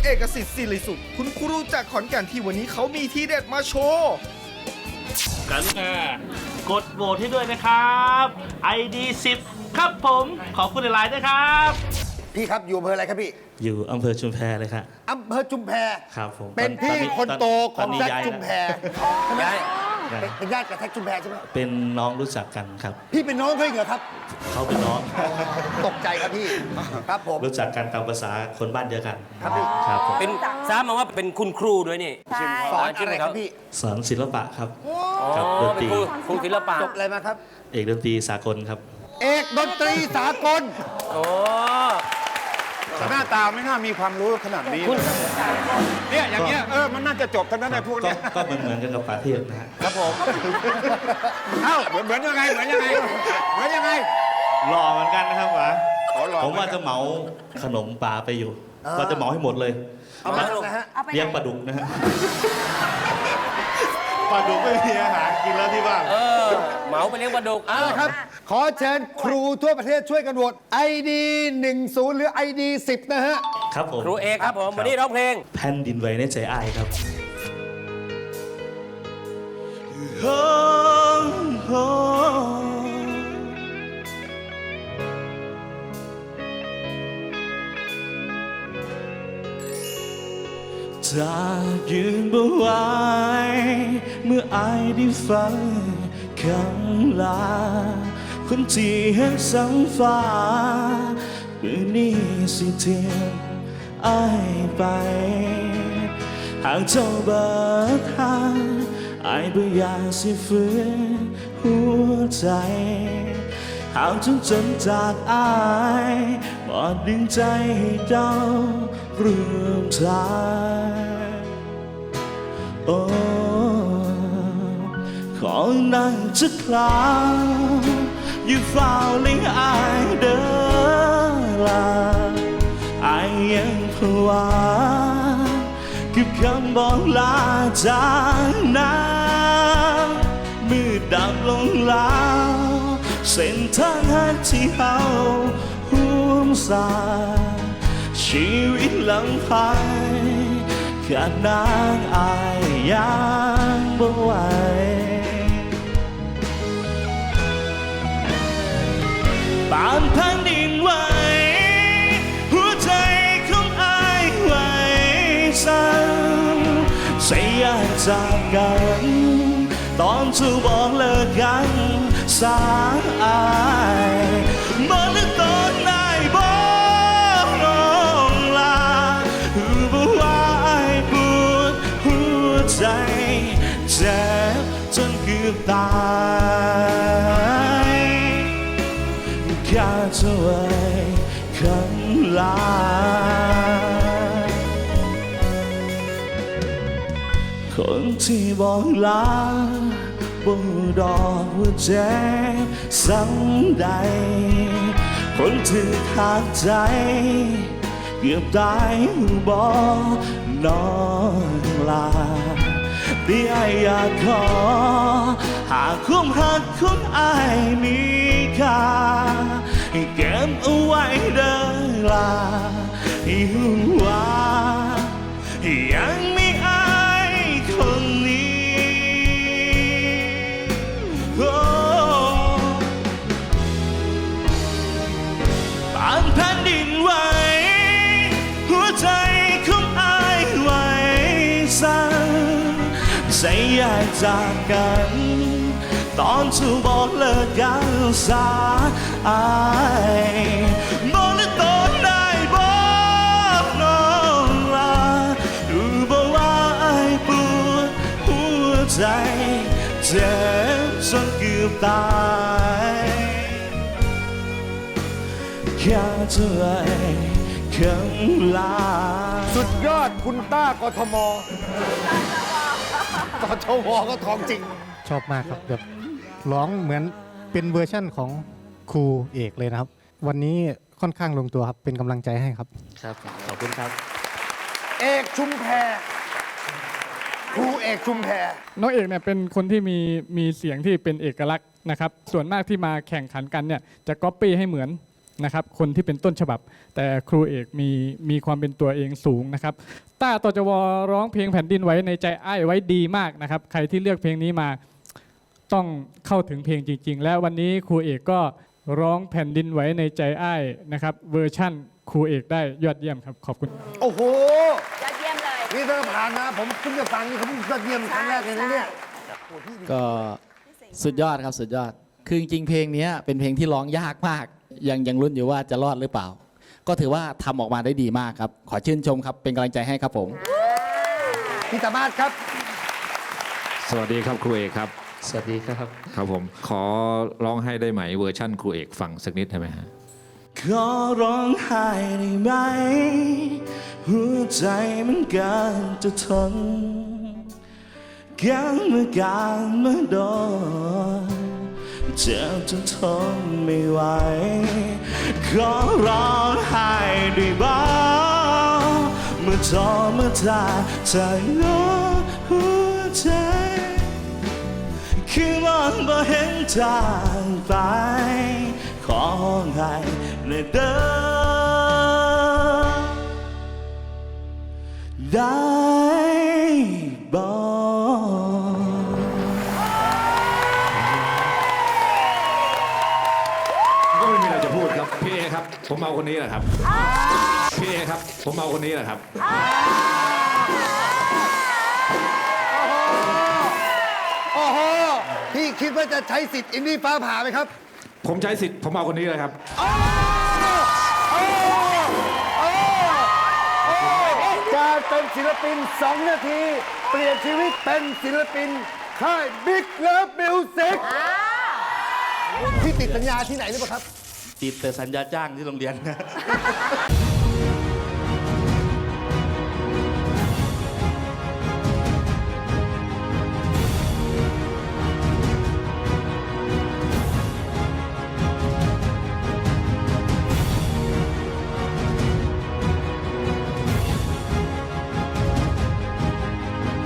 เอกสิทธิ์ศิริสุขคุณครูจากขอนแก่นที่วันนี้เขามีทีเด็ดมาโชว์กรุณากดโหวตให้ด้วยนะครับ ID 10 ครับผมขอบคุณหลายๆด้วยครับพี่ครับอยู่อำเภออะไรครับพี่อยู่อำเภอชุมแพเลยครับอำเภอชุมแพครับผมเป็นพี่คนโตของแซคชุมแพใช่ไหมย้ายเป็นญาติกับแซคชุมแพใช่ไหมเป็นน้องรู้จักกันครับพี่เป็นน้องเขาเหรอครับเขาเป็นน้องตกใจครับพี่ครับผมรู้จักกันตามภาษาคนบ้านเดียวกันครับพี่ครับผมเป็นทราบมาว่าเป็นคุณครูด้วยนี่ใช่สอนอะไรครับพี่สอนศิลปะครับอ๋อกับดนเป็ตนรีครูศิลปะจบอะไรมาครับเอกดนตรีสากลครับเอกดนตรีสากลโอ้หน้าตาไม่น่ามีความรู้ขนาดนี้เลยเนี่ยอย่างเงี้ยมันน่าจะจบทั้งนั้นไอ้พวกก็เนี้ยก็เหมือนกันกับป่าเทพนะฮะครับผมเอ้าเหมือนยังไงเหมือนยังไงเหมือนยังไงหล่อเหมือนกันนะครับหวะอ๋อหล่อผมว่าจะเหมาขนมปลาไปอยู่ว่าจะเหมาให้หมดเลยเอามานะฮะเอาไปไหนเลี้ยงปลาดุกนะฮะปลาดุกไม่มีอาหารกินแล้วที่บ้านเหมาไปเลี้ยงปลาดุกอ้าวครับ ขอเชิญครูทั่วประเทศช่วยกันโหวต ID 10 หรือ ID 10 นะฮะครับผมครูเอกครับผมวันนี้ร้องเพลงแผ่นดินไหวในใจอ้ายครับจากยืนบ่ไหวเมื่ออายได้ฟังคำลาคนที่เห็นสังฟ้ามือนี้สิเทียมอายไปหากเจ้าเบิกทางอายบ่อยากสิฝืนหัวใจหากจนจากอายบอดดึงใจให้เจ้าร่วมทางโอ้ขอนั่งจะคลางอยู่เฝ้าเลี้ยงอายเด้อลาอายยังภาวะกับคำบอกลาจากนั้นมืดดำลงแล้วเส้นทางหักที่เฮาห่วงสาชีวิตลำพังขาดนางอายยังบ่ไหวปานแผ่นดินไหวหัวใจของอายไหวสั่นใส่ยากจากกันตอนถูกบอกเลิกกันสายอายบอกเลิกตอนนายบอกน้องลาบอกว่าอายปวดหัวใจเจ็บจนเกือบตายแค่เธอไว้คำลาคนที่บอกลาบ่ดอกว่าเจ็บสังใดคนที่ขาดใจเกือบตายบอกน้องลาที่อายอยากขอหากความหักของอายมีค่าให้เก็บเอาไว้เด้อลาให้รู้ว่ายังมีอายคนนี้โอ้ปานแผ่นดินไหวหัวใจของอายไหวสั่นใส่ยากจากกันตอนถูกบอกเลิกกันสายอายบอกเลิกตอนได้บอกน้องลาดูบอกว่าอายปวดหัวใจเจ็บจนเกือบตายแค่เธอไอ้คำลาสุดยอดคุณต้ากทมกทมก็ทองจริงชอบมากครับแบบร้องเหมือนเป็นเวอร์ชั่นของครูเอกเลยนะครับ วันนี้ค่อนข้างลงตัวครับเป็นกำลังใจให้ครับครับขอบคุณครับเอกชุมแพครูเอกชุมแพน้องเอกเนี่ยเป็นคนที่มีเสียงที่เป็นเอกลักษณ์นะครับส่วนมากที่มาแข่งขันกันเนี่ยจะก๊อปปี้ให้เหมือนนะครับคนที่เป็นต้นฉบับ แต่ครูเอกมีความเป็นตัวเองสูงนะครับต้าตจวร้องเพลงแผ่นดินไหวในใจอ้ายไว้ดีมากนะครับใครที่เลือกเพลงนี้มาต้องเข้าถึงเพลงจริงๆและวันนี้ครูเอกก็ร้องแผ่นดินไหวในใจอ้ายนะครับเวอร์ชั่นครูเอกได้ยอดเยี่ยมครับขอบคุณโอ้โหยอดเยี่ยมเลยนี่ถ้าผ่านมาผมเพิ่งจะฟังนี่เขาเพิ่งยอดเยี่ยมครั้งแรกเลยนะเนี่ยก็สุดยอดครับสุดยอด คือจริงๆเพลงนี้เป็นเพลงที่ร้องยากมาก ยังลุ้นอยู่ว่าจะรอดหรือเปล่า ก็ถือว่าทำออกมาได้ดีมากครับ ขอชื่นชมครับเป็นกำลังใจให้ครับผมพี่สามารถครับสวัสดีครับครูเอกครับสวัสดีครับครับผมขอร้องให้ได้ไหมเวอร์ชั่นครูเอกฟังสักนิดได้ไหมฮะขอร้องไห้ได้ไหมหัวใจมันเกินจะทนกันเมื่อการเมื่อโดนเจ็บจนทนไม่ไหวขอร้องไห้ได้บ้างเมื่อจอเมื่อตาใจน้อหัวใจคือมันบ่เห็นทางไปขอให้ในเดินได้บอกก็ไม่มีอะไรจะพูดครับพี่เอครับผมเอาคนนี้แหละครับพี่เอครับผมเอาคนนี้แหละครับโอ้โห พี่คิดว่าจะใช้สิทธิ์อินดี้ฟ้าผ่าไหมครับผมใช้สิทธิ์ผมเอาคนนี้เลยครับการเป็นศิลปิน 2 นาที เปลี่ยนชีวิตเป็นศิลปินค่าย Big Love Music พี่ติดสัญญาที่ไหนหรือเปล่าครับติดแต่สัญญาจ้างที่โรงเรียน